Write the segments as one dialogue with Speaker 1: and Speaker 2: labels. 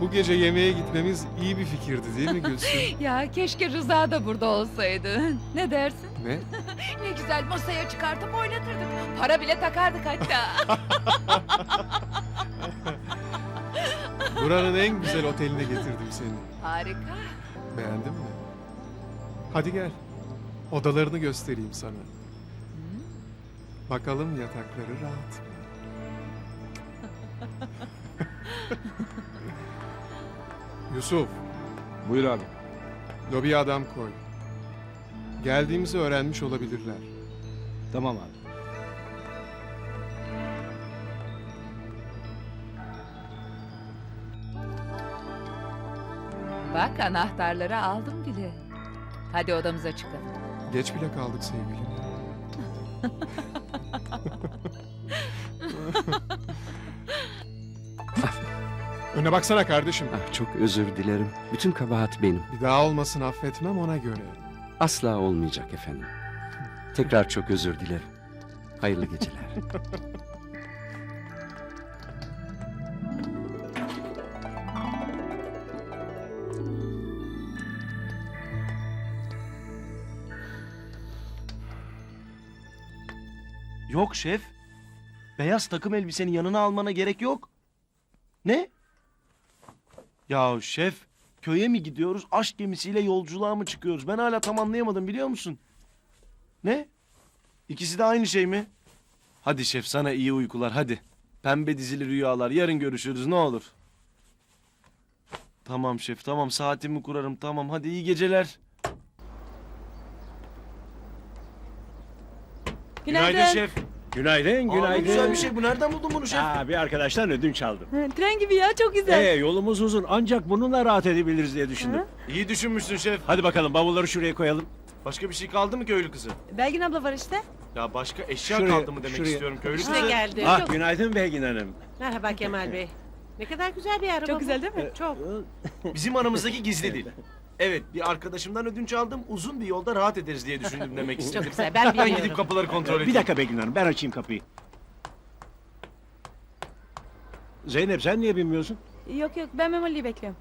Speaker 1: Bu gece yemeğe gitmemiz iyi bir fikirdi değil mi Gülsüm?
Speaker 2: Ya keşke Rıza da burada olsaydı. Ne dersin?
Speaker 1: Ne?
Speaker 2: Ne güzel masaya çıkartıp oynatırdık. Para bile takardık hatta.
Speaker 1: Buranın en güzel oteline getirdim seni.
Speaker 2: Harika.
Speaker 1: Beğendin mi? Hadi gel. Odalarını göstereyim sana. Bakalım yatakları rahat mı? Yusuf,
Speaker 3: Buyur abi.
Speaker 1: lobiye adam koy. Geldiğimizi öğrenmiş olabilirler.
Speaker 3: Tamam abi.
Speaker 2: Bak anahtarları aldım bile. Hadi odamıza çıkalım.
Speaker 1: Geç bile kaldık sevgilim. Öne baksana kardeşim.
Speaker 4: Ah, çok özür dilerim. Bütün kabahat benim.
Speaker 1: Bir daha olmasın affetmem ona göre.
Speaker 4: Asla olmayacak efendim. Tekrar çok özür dilerim. Hayırlı geceler.
Speaker 5: Yok şef. Beyaz takım elbisenin yanına almana gerek yok. Ne? Ya şef, köye mi gidiyoruz, aşk gemisiyle yolculuğa mı çıkıyoruz? Ben hala tam anlayamadım biliyor musun? Ne? İkisi de aynı şey mi? Hadi şef sana iyi uykular hadi. Pembe dizili rüyalar, yarın görüşürüz ne olur. Tamam şef, tamam saatimi kurarım tamam hadi iyi geceler. Günaydın şef.
Speaker 6: Günaydın,
Speaker 5: Aa,
Speaker 6: günaydın.
Speaker 5: ne güzel bir şey bu. Nereden buldun bunu şef?
Speaker 6: Bir arkadaştan ödünç aldım.
Speaker 7: Tren gibi ya, çok güzel.
Speaker 6: Yolumuz uzun ancak bununla rahat edebiliriz diye düşündüm.
Speaker 5: İyi düşünmüşsün şef.
Speaker 6: Hadi bakalım bavulları şuraya koyalım.
Speaker 5: Başka bir şey kaldı mı köylü kızı?
Speaker 7: Belgin abla var işte.
Speaker 5: Ya başka eşya
Speaker 6: Şuraya,
Speaker 5: kaldı mı demek
Speaker 6: şuraya.
Speaker 5: istiyorum köylü
Speaker 7: İşte
Speaker 5: kızı.
Speaker 7: geldi.
Speaker 6: Ah
Speaker 7: Çok,
Speaker 6: günaydın Belgin Hanım.
Speaker 8: Merhaba Kemal Bey. Ne kadar güzel bir araba
Speaker 7: çok
Speaker 8: bu.
Speaker 7: güzel değil mi?
Speaker 8: Çok.
Speaker 5: Bizim aramızdaki gizli değil. Evet bir arkadaşımdan ödünç aldım. Uzun bir yolda rahat ederiz diye düşündüm demek istedim.
Speaker 8: Çok güzel. Ben
Speaker 5: Ben
Speaker 8: biliyorum.
Speaker 5: gidip kapıları kontrol edeyim.
Speaker 6: Bir dakika Belgin Hanım ben açayım kapıyı. Zeynep sen niye binmiyorsun?
Speaker 7: Yok ben Memoli'yi bekliyorum.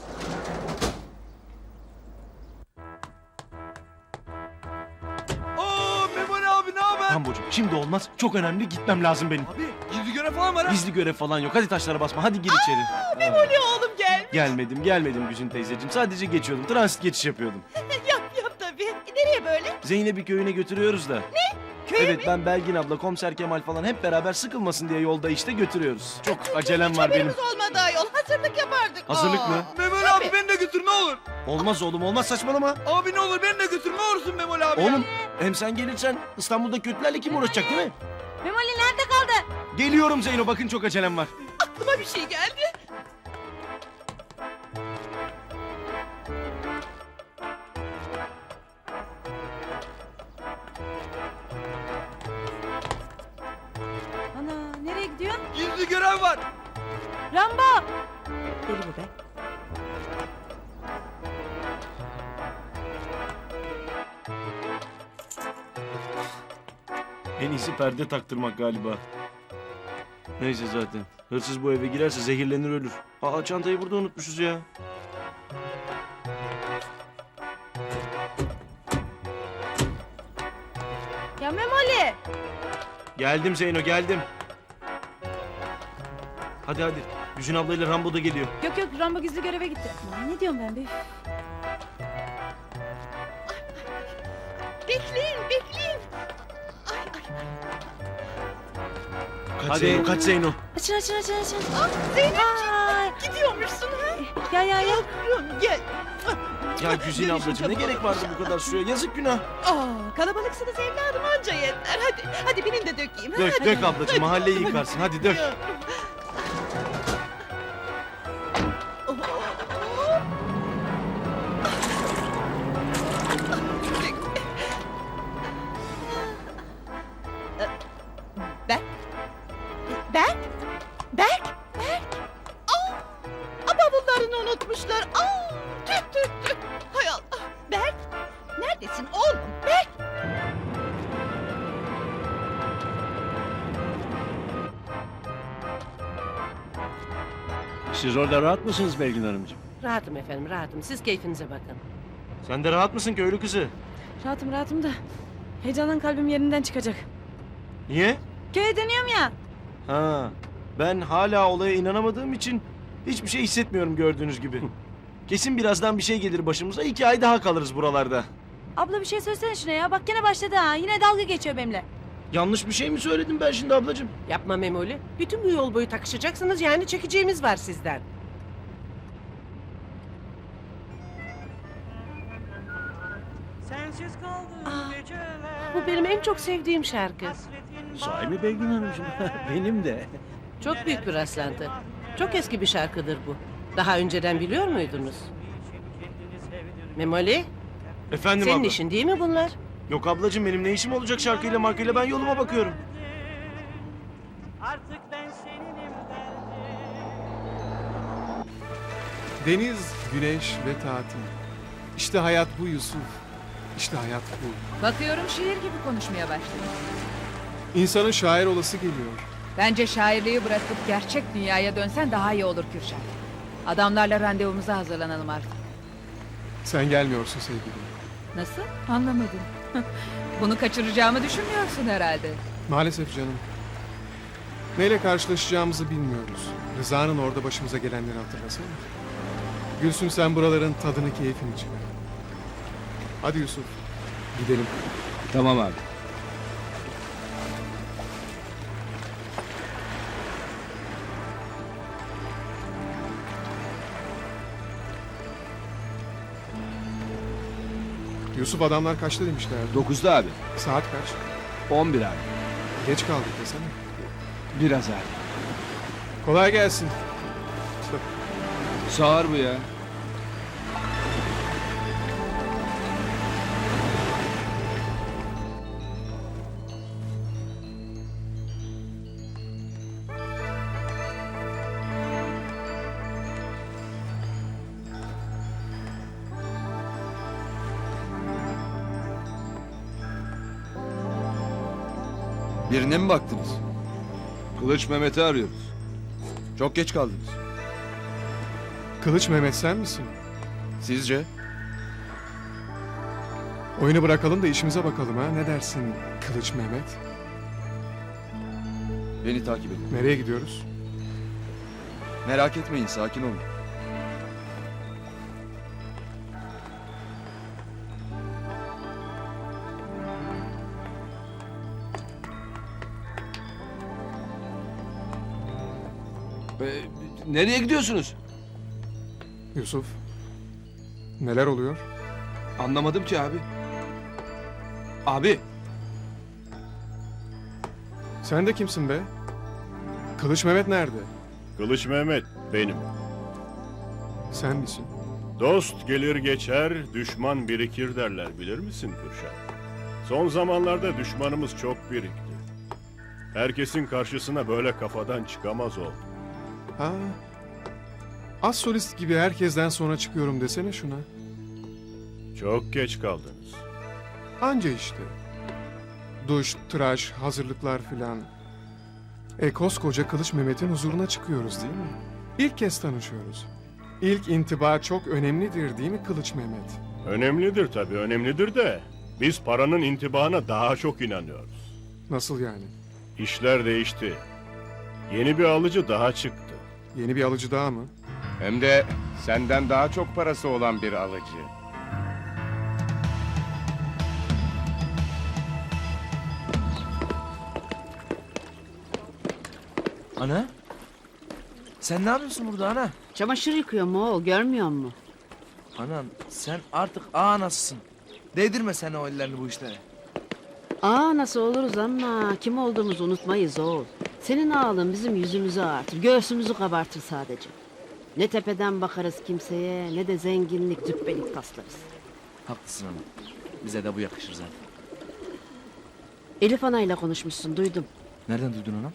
Speaker 5: Oo Memoli abi ne haber? Hamburcu şimdi olmaz. Çok önemli gitmem lazım benim.
Speaker 9: Abi gizli görev falan var ha.
Speaker 5: Gizli görev falan yok. Hadi taşlara basma. Hadi gir içeri.
Speaker 8: Memoli oğlum gel.
Speaker 5: Gelmedim Güzin teyzeciğim. Sadece geçiyordum. Transit geçiş yapıyordum.
Speaker 8: Yap tabii. Nereye böyle?
Speaker 5: Zeynep'i köyüne götürüyoruz da.
Speaker 8: Köye
Speaker 5: Evet
Speaker 8: mi?
Speaker 5: ben Belgin abla, komiser Kemal falan hep beraber sıkılmasın diye yolda işte götürüyoruz. Çok acelem var benim.
Speaker 8: Haberimiz olmadı ayol. Hazırlık yapardık.
Speaker 5: Hazırlık mı?
Speaker 9: Memoli abi beni de götür ne olur.
Speaker 5: Olmaz oğlum olmaz saçmalama.
Speaker 9: Abi ne olur beni de götür ne olursun Memoli abi.
Speaker 5: Oğlum hem sen gelirsen İstanbul'da kötülerle kim uğraşacak değil mi?
Speaker 7: Memoli nerede kaldı?
Speaker 5: Geliyorum Zeyno bakın çok acelem var.
Speaker 8: Aklıma bir şey geldi.
Speaker 7: Ana nereye gidiyor?
Speaker 9: Gizli görev var.
Speaker 7: Rambo!
Speaker 8: Deli bu be.
Speaker 5: En iyisi perde taktırmak galiba. Neyse zaten. Hırsız bu eve girerse zehirlenir ölür. Aa çantayı burada unutmuşuz ya.
Speaker 7: Ya Memoli!
Speaker 5: Geldim Zeyno geldim. Hadi hadi. Güzin ablayla Rambo da geliyor.
Speaker 7: Yok Rambo gizli göreve gitti. Aman, ne diyorum ben be?
Speaker 8: Bekleyin. Ay.
Speaker 5: Kaç
Speaker 6: Hadi.
Speaker 5: Zeyno kaç Zeyno.
Speaker 7: Açın.
Speaker 8: Zeynepciğim
Speaker 7: Ay,
Speaker 8: gidiyormuşsun ha.
Speaker 7: ya.
Speaker 8: Yavrum gel.
Speaker 5: Ya Güzin ablacığım ne gerek vardı bu kadar suya yazık günah.
Speaker 8: Kalabalıksınız evladım anca yeter. Hadi binin de dökeyim.
Speaker 5: Dök ablacığım mahalleyi yıkarsın hadi dök.
Speaker 8: Berk. Bavullarını unutmuşlar. Tüh. Hay Allah. Berk. Neredesin oğlum? Berk.
Speaker 6: Siz orada rahat mısınız Belgin Hanımcığım?
Speaker 8: Rahatım efendim rahatım. Siz keyfinize bakın.
Speaker 5: Sen de rahat mısın köylü kızı?
Speaker 7: Rahatım rahatım da. Heyecandan kalbim yerinden çıkacak.
Speaker 5: Niye?
Speaker 7: Köye dönüyorum ya.
Speaker 5: Ha, ben hala olaya inanamadığım için hiçbir şey hissetmiyorum gördüğünüz gibi. Kesin birazdan bir şey gelir başımıza. 2 ay daha kalırız buralarda.
Speaker 7: Abla bir şey söylesene şuna ya. Bak gene başladı ha. Yine dalga geçiyor benimle.
Speaker 5: Yanlış bir şey mi söyledim ben şimdi ablacığım?
Speaker 8: Yapma Memoli. Bütün bu yol boyu takışacaksınız yani çekeceğimiz var sizden. Bu benim en çok sevdiğim şarkı.
Speaker 6: Sahi mi Belgin Hanımcığım? Benim de.
Speaker 8: Çok büyük bir rastlantı. Çok eski bir şarkıdır bu. Daha önceden biliyor muydunuz? Memoli,
Speaker 5: Efendim
Speaker 8: senin
Speaker 5: abla.
Speaker 8: işin değil mi bunlar?
Speaker 5: Yok ablacığım benim ne işim olacak şarkıyla markayla ben yoluma bakıyorum.
Speaker 1: Deniz, güneş ve tatil. İşte hayat bu Yusuf. İşte hayat bu.
Speaker 2: Bakıyorum şiir gibi konuşmaya başladı.
Speaker 1: İnsanın şair olası geliyor.
Speaker 2: Bence şairliği bırakıp gerçek dünyaya dönsen daha iyi olur Kürşat. Adamlarla randevumuza hazırlanalım artık.
Speaker 1: Sen gelmiyorsun sevgilim.
Speaker 2: Nasıl? Anlamadım. Bunu kaçıracağımı düşünmüyorsun herhalde.
Speaker 1: Maalesef canım. Neyle karşılaşacağımızı bilmiyoruz. Rıza'nın orada başımıza gelenleri hatırlasana. Gülsüm sen buraların tadını keyfini çıkar. Hadi Yusuf. Gidelim.
Speaker 3: Tamam abi.
Speaker 1: Yusuf adamlar kaçta demişlerdi?
Speaker 3: 9'da abi.
Speaker 1: Saat kaç?
Speaker 3: 11 abi.
Speaker 1: Geç kaldık desene.
Speaker 3: Biraz abi.
Speaker 1: Kolay gelsin.
Speaker 3: Sağır bu ya.
Speaker 10: Birine mi baktınız?
Speaker 3: Kılıç Mehmet'i arıyoruz.
Speaker 10: Çok geç kaldınız.
Speaker 1: Kılıç Mehmet sen misin?
Speaker 10: Sizce?
Speaker 1: Oyunu bırakalım da işimize bakalım ha. Ne dersin Kılıç Mehmet?
Speaker 10: Beni takip edin.
Speaker 1: Nereye gidiyoruz?
Speaker 10: Merak etmeyin, sakin olun.
Speaker 3: Nereye gidiyorsunuz?
Speaker 1: Yusuf. Neler oluyor?
Speaker 3: Anlamadım ki abi. Abi.
Speaker 1: Sen de kimsin be? Kılıç Mehmet nerede?
Speaker 11: Kılıç Mehmet benim.
Speaker 1: Sen misin?
Speaker 11: Dost gelir geçer, düşman birikir derler bilir misin Kürşat? Son zamanlarda düşmanımız çok birikti. Herkesin karşısına böyle kafadan çıkamaz oldu.
Speaker 1: Ha. Az solist gibi herkesten sonra çıkıyorum desene şuna.
Speaker 11: Çok geç kaldınız.
Speaker 1: Anca işte. Duş, tıraş, hazırlıklar filan. Koskoca Kılıç Mehmet'in huzuruna çıkıyoruz değil mi? İlk kez tanışıyoruz. İlk intiba çok önemlidir değil mi Kılıç Mehmet?
Speaker 11: Önemlidir tabii, önemlidir de biz paranın intibana daha çok inanıyoruz.
Speaker 1: Nasıl yani?
Speaker 11: İşler değişti. Yeni bir alıcı daha çıktı.
Speaker 1: Yeni bir alıcı daha mı?
Speaker 12: Hem de senden daha çok parası olan bir alıcı.
Speaker 9: Ana? Sen ne yapıyorsun burada ana?
Speaker 8: Çamaşır yıkıyorum oğul görmüyor musun?
Speaker 9: Anam sen artık anasısın. Değdirme sen o ellerini bu işlere.
Speaker 8: Nasıl oluruz ama kim olduğumuzu unutmayız oğul. Senin ağalın bizim yüzümüzü ağartır, göğsümüzü kabartır sadece. Ne tepeden bakarız kimseye ne de zenginlik cübbelik taslarız.
Speaker 9: Haklısın ana. Bize de bu yakışır zaten.
Speaker 8: Elif anayla konuşmuşsun duydum.
Speaker 9: Nereden duydun anam?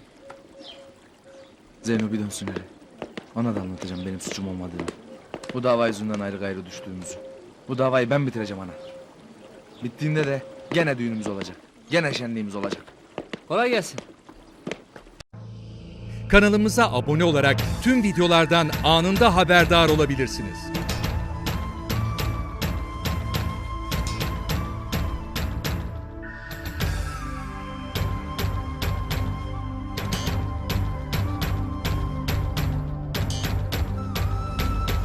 Speaker 9: Zeyno bir dönsün hele. Ona da anlatacağım benim suçum olmadığını. Bu dava yüzünden ayrı gayrı düştüğümüzü. Bu davayı ben bitireceğim ana. Bittiğinde de gene düğünümüz olacak. Gene şenliğimiz olacak. Kolay gelsin.
Speaker 13: Kanalımıza abone olarak tüm videolardan anında haberdar olabilirsiniz.